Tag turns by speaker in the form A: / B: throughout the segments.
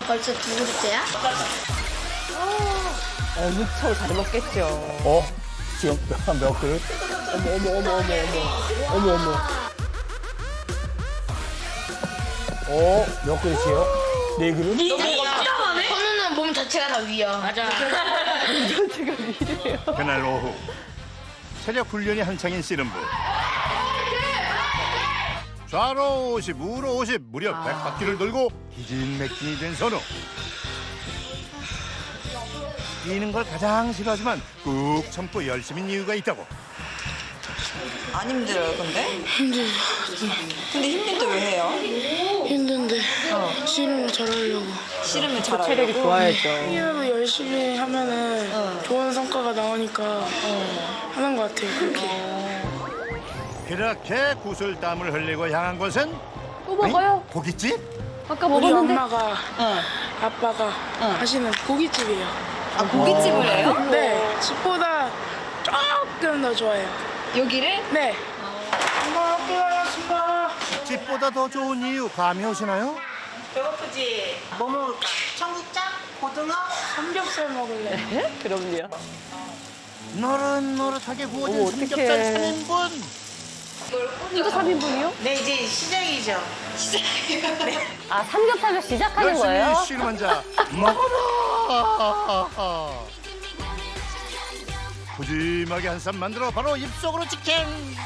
A: 벌써 두 그릇째야?
B: 엄청 잘 먹겠죠.
C: 지금 몇 그릇? 몇 그릇이에요? 네 그릇?
A: 선우는 몸 자체가 다 위야. 맞아.
B: 전체가 미래요.
D: 그날 오후 체력 훈련이 한창인 씨름부. 좌로 50, 우로 50, 무려 100바퀴를 돌고 기진맥진이 된 선우. 뛰는 걸 가장 싫어하지만 꾹 참고 열심인 이유가 있다고.
E: 안 힘들어요, 근데? 근데 힘든데 왜 해요?
F: 힘든데 씨름을 잘하려고.
E: 씨름을 잘하려고?
B: 체력이 좋아야죠.
F: 씨름을 열심히 하면은 좋은 성과가 나오니까 하는 것 같아요. 그렇게.
D: 그렇게 구슬땀을 흘리고 향한 곳은
B: 또 먹어요?
D: 고깃집?
B: 아까
F: 우리
B: 먹었는데.
F: 엄마가 아빠가 하시는 고깃집이에요.
E: 아, 고깃집을 해요?
F: 네, 집보다 조금 더 좋아요.
E: 여기를?
F: 네. 엄마 학교 다녔습니다.
D: 집보다 더 좋은 이유 감이 오시나요?
G: 배고프지? 뭐 먹을까? 청국장? 고등어?
F: 삼겹살 먹을래.
B: 그럼요.
D: 노릇노릇하게 구워진
B: 어머,
D: 삼겹살
B: 어떡해.
D: 3인분.
B: 이거 3인분이요?
G: 네, 이제 시작이죠.
B: 아, 삼겹살을 시작하는 거예요?
D: 열심히 씨름한 자 먹어라. 푸짐하게 한 쌈 만들어 바로 입속으로 직행.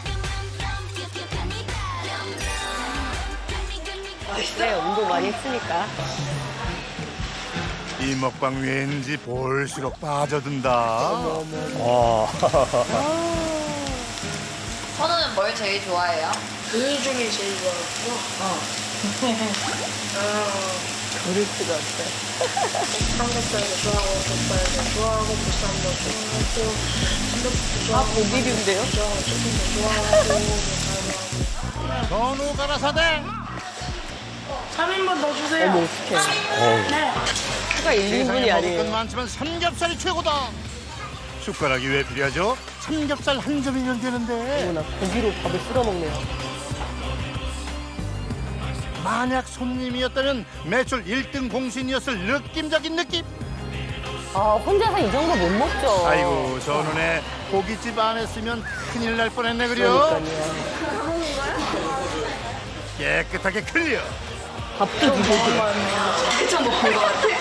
B: 네, 운동 많이 했으니까.
D: 이 먹방 왠지 볼수록 빠져든다.
E: 선우는 뭘 제일 좋아해요?
F: 그 중에 제일 좋아하고.
B: 그럴 수가 없어요.
F: 삼겹살도 좋아하고, 족발도 좋아하고, 보쌈도 좋아하고, 삼겹살도
B: 아,
F: 좋아하고,
B: 고기류인데요?
F: 좋아하고, 치킨도 좋아하고,
D: 전후 가라사대.
F: 3인분 더 주세요.
B: 어머, 어떡해.
F: 네.
B: 추가 1인분이
D: 세상에 먹을 건
B: 아니에요.
D: 많지만 삼겹살이 최고다. 숟가락이 왜 필요하죠? 삼겹살 한 점이면 되는데.
B: 어머나, 고기로 밥을 쓸어 먹네요.
D: 만약 손님이었다면 매출 1등 공신이었을 느낌적인 느낌.
B: 아, 혼자서 이 정도 못 먹죠.
D: 아이고 전원에 고깃집 안 했으면 큰일 날 뻔했네 그려.
B: 그러니까요.
D: 깨끗하게 클리어.
B: 밥도 주고.
E: 그쵸, 먹은 것 같아.